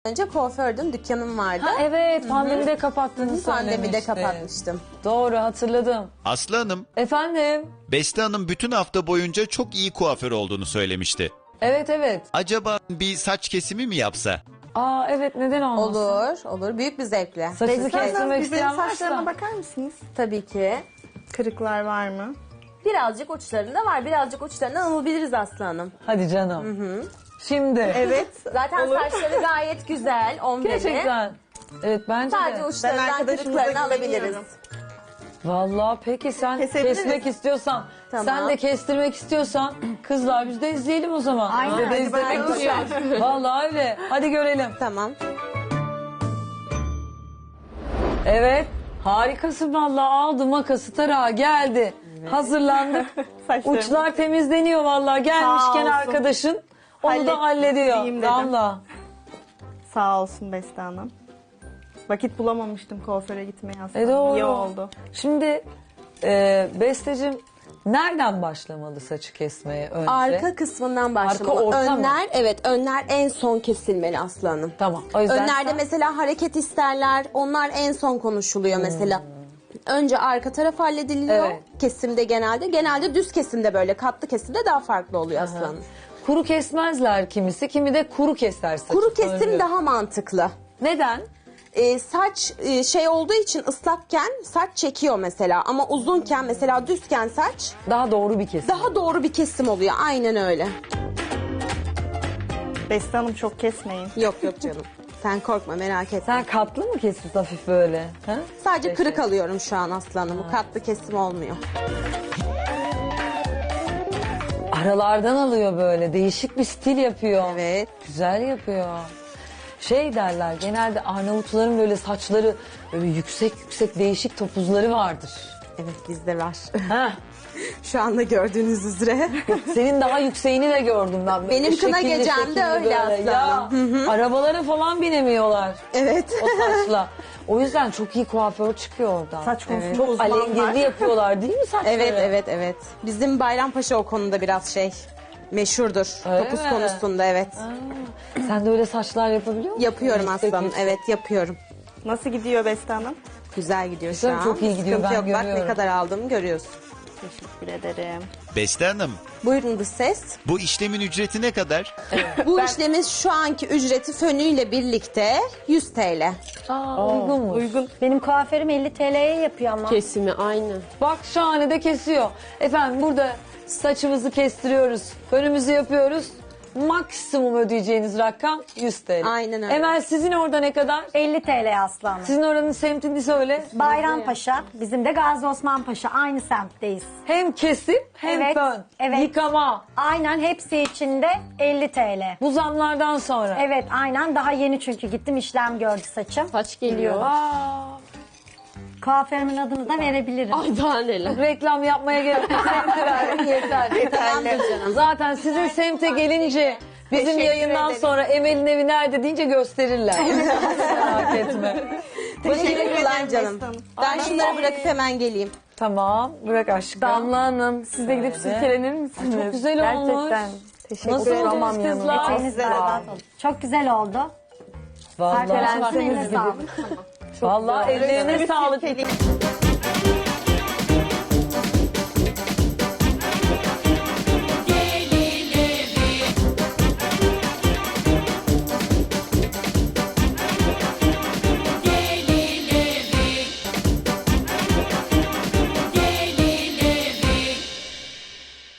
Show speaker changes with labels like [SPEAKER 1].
[SPEAKER 1] Önce kuafördüm, dükkanım vardı.
[SPEAKER 2] Ha, evet, pandemide kapattığını
[SPEAKER 1] Pandemide
[SPEAKER 2] söylemiştin.
[SPEAKER 1] kapatmıştım.
[SPEAKER 2] Doğru, hatırladım.
[SPEAKER 3] Aslı Hanım,
[SPEAKER 2] Efendim?
[SPEAKER 3] Beste Hanım bütün hafta boyunca çok iyi kuaför olduğunu söylemişti.
[SPEAKER 2] Evet, evet.
[SPEAKER 3] Acaba bir saç kesimi mi yapsa?
[SPEAKER 2] Aa, evet, neden olmasın?
[SPEAKER 1] Olur, olur. Büyük bir zevkle.
[SPEAKER 2] Saçını
[SPEAKER 4] Esra Hanım,
[SPEAKER 2] kestirmek
[SPEAKER 4] bir benim
[SPEAKER 2] isteyen
[SPEAKER 4] saçlarıma
[SPEAKER 2] varsa.
[SPEAKER 4] bakar mısınız?
[SPEAKER 1] Tabii ki.
[SPEAKER 4] Kırıklar var mı?
[SPEAKER 1] Birazcık uçlarında var. Birazcık uçlarından alabiliriz Aslı Hanım.
[SPEAKER 2] Hadi canım. Şimdi.
[SPEAKER 4] Evet.
[SPEAKER 1] Zaten saçları gayet güzel. 11'i.
[SPEAKER 2] Gerçekten. Evet, bence
[SPEAKER 1] Sadece
[SPEAKER 2] de.
[SPEAKER 1] uçlarından
[SPEAKER 4] arkadaşımıza
[SPEAKER 1] kırıklarını alabiliriz.
[SPEAKER 4] güveniyorum.
[SPEAKER 2] Vallahi peki sen
[SPEAKER 4] Kesebiliriz.
[SPEAKER 2] kesmek istiyorsan,
[SPEAKER 1] Tamam.
[SPEAKER 2] sen de kestirmek istiyorsan kızlar biz de izleyelim o zaman.
[SPEAKER 4] Aynen,
[SPEAKER 2] Biz de
[SPEAKER 4] hadi
[SPEAKER 2] izlemek
[SPEAKER 4] bakalım.
[SPEAKER 2] düşer. Vallahi öyle. Hadi görelim.
[SPEAKER 1] Tamam.
[SPEAKER 2] Evet. Harikasın vallahi, aldı makası tarağı geldi. Hazırlandık.
[SPEAKER 4] Saçlarım.
[SPEAKER 2] Uçlar temizleniyor vallahi, gelmişken
[SPEAKER 4] olsun.
[SPEAKER 2] arkadaşın onu da
[SPEAKER 4] Halledeyim
[SPEAKER 2] hallediyor.
[SPEAKER 4] dedim.
[SPEAKER 2] Damla.
[SPEAKER 4] Sağ olsun Beste Hanım. Vakit bulamamıştım kuaföre gitmeye aslında.
[SPEAKER 2] Doğru.
[SPEAKER 4] İyi oldu.
[SPEAKER 2] Şimdi Besteciğim, nereden başlamalı saçı kesmeye önce?
[SPEAKER 1] Arka kısmından başlamalı.
[SPEAKER 2] Arka, orta mı?
[SPEAKER 1] Önler, evet, önler en son kesilmeli Aslı Hanım.
[SPEAKER 2] Tamam. O yüzden
[SPEAKER 1] Önlerde mesela hareket isterler. Onlar en son konuşuluyor mesela. Önce arka taraf hallediliyor.
[SPEAKER 2] Evet.
[SPEAKER 1] Kesimde genelde. Genelde düz kesimde böyle. Katlı kesimde daha farklı oluyor Aslı Hanım.
[SPEAKER 2] kuru kesmezler kimisi, kimi de kuru keser saçı.
[SPEAKER 1] Kuru kesim
[SPEAKER 2] Söylüyor.
[SPEAKER 1] daha mantıklı.
[SPEAKER 2] Neden?
[SPEAKER 1] Saç şey olduğu için ıslakken saç çekiyor mesela. Ama uzunken mesela düzken saç
[SPEAKER 2] Daha doğru bir kesim.
[SPEAKER 1] daha doğru bir kesim oluyor. Aynen öyle.
[SPEAKER 4] Beste Hanım çok kesmeyin.
[SPEAKER 1] Yok yok canım. Sen korkma, merak etme.
[SPEAKER 2] Sen katlı mı kesiyorsun hafif böyle? Ha?
[SPEAKER 1] Sadece kırık alıyorum şu an Aslı Hanım. Bu katlı kesim olmuyor.
[SPEAKER 2] Aralardan alıyor böyle. Değişik bir stil yapıyor.
[SPEAKER 1] Evet.
[SPEAKER 2] Güzel yapıyor. Şey derler, genelde Arnavutların böyle saçları böyle yüksek yüksek değişik topuzları vardır.
[SPEAKER 1] Evet, bizde var.
[SPEAKER 2] Heh.
[SPEAKER 1] Şu anda gördüğünüz üzere.
[SPEAKER 2] Senin daha yükseğini de gördüm ben. Böyle
[SPEAKER 1] Benim kına
[SPEAKER 2] şekilli
[SPEAKER 1] gecemde
[SPEAKER 2] şekilli
[SPEAKER 1] öyle
[SPEAKER 2] böyle.
[SPEAKER 1] aslında.
[SPEAKER 2] Ya, arabalara falan binemiyorlar
[SPEAKER 1] Evet.
[SPEAKER 2] o saçla. O yüzden çok iyi kuaför çıkıyor oradan.
[SPEAKER 4] Saç konusunda
[SPEAKER 2] Çok
[SPEAKER 4] uzman
[SPEAKER 2] alengirli
[SPEAKER 4] var.
[SPEAKER 2] yapıyorlar değil mi saçları?
[SPEAKER 1] Evet, evet, evet. Bizim Bayrampaşa o konuda biraz şey meşhurdur.
[SPEAKER 2] Öyle
[SPEAKER 1] Topuz
[SPEAKER 2] mi?
[SPEAKER 1] konusunda, evet.
[SPEAKER 2] Sen de öyle saçlar yapabiliyor musun?
[SPEAKER 1] Yapıyorum
[SPEAKER 2] Yüksek
[SPEAKER 1] aslanım.
[SPEAKER 2] yüksek.
[SPEAKER 1] Evet, yapıyorum.
[SPEAKER 4] Nasıl gidiyor Beste Hanım?
[SPEAKER 1] Güzel gidiyor
[SPEAKER 2] Güzel,
[SPEAKER 1] şu an.
[SPEAKER 2] çok iyi gidiyor,
[SPEAKER 1] Sıkıntı
[SPEAKER 2] ben
[SPEAKER 1] yok. Bak ne
[SPEAKER 2] görüyorum.
[SPEAKER 1] kadar aldığımı görüyorsun.
[SPEAKER 4] Teşekkür ederim.
[SPEAKER 3] Beste Hanım,
[SPEAKER 1] Buyurun dış ses.
[SPEAKER 3] bu işlemin ücreti ne kadar?
[SPEAKER 1] Bu işlemin şu anki ücreti fönüyle birlikte 100 TL.
[SPEAKER 2] Uygunmuş.
[SPEAKER 4] Uygun.
[SPEAKER 5] Benim kuaförüm 50 TL'ye yapıyor ama.
[SPEAKER 6] Kesimi aynı.
[SPEAKER 2] Bak şahane de kesiyor. Efendim burada saçımızı kestiriyoruz. Önümüzü yapıyoruz. Maksimum ödeyeceğiniz rakam 100 TL.
[SPEAKER 1] Aynen öyle.
[SPEAKER 2] Emel, sizin orada ne kadar?
[SPEAKER 5] 50 TL aslanım.
[SPEAKER 2] Sizin oranın semtini söyle.
[SPEAKER 5] Bayrampaşa, bizim de Gazi Osman Paşa. Aynı semtteyiz.
[SPEAKER 2] Hem kesim hem
[SPEAKER 5] Evet,
[SPEAKER 2] fön.
[SPEAKER 5] evet.
[SPEAKER 2] Yıkama.
[SPEAKER 5] Aynen hepsi içinde 50 TL.
[SPEAKER 2] Bu zamlardan sonra.
[SPEAKER 5] Evet aynen, daha yeni çünkü gittim işlem gördü saçım.
[SPEAKER 6] Saç geliyor.
[SPEAKER 2] Aa,
[SPEAKER 5] Kuaförümün adını da verebilirim.
[SPEAKER 6] Ay daha neler.
[SPEAKER 2] reklam yapmaya gerek yok. Semti ver yeter.
[SPEAKER 1] Tamamdır canım.
[SPEAKER 2] Zaten sizin semte gelince bizim
[SPEAKER 1] Teşekkür
[SPEAKER 2] yayından
[SPEAKER 1] ederim.
[SPEAKER 2] sonra Emel'in evi nerede deyince gösterirler. Merak etme.
[SPEAKER 1] Teşekkürler canım. Ben şunları bırakıp hemen geleyim.
[SPEAKER 2] Tamam, bırak aşkım.
[SPEAKER 4] Damla Hanım, siz de gidip silkelenir misiniz?
[SPEAKER 2] Çok güzel olmuş.
[SPEAKER 4] Gerçekten. Teşekkür
[SPEAKER 2] Nasıl
[SPEAKER 4] ederim.
[SPEAKER 2] oldunuz kızlar?
[SPEAKER 5] Eteğiniz berbat oldu. Çok güzel oldu.
[SPEAKER 2] Vallahi,
[SPEAKER 5] Arkadaşlarım eline sağlık.
[SPEAKER 2] vallahi ellerine sağlık.
[SPEAKER 4] Silkeleyim.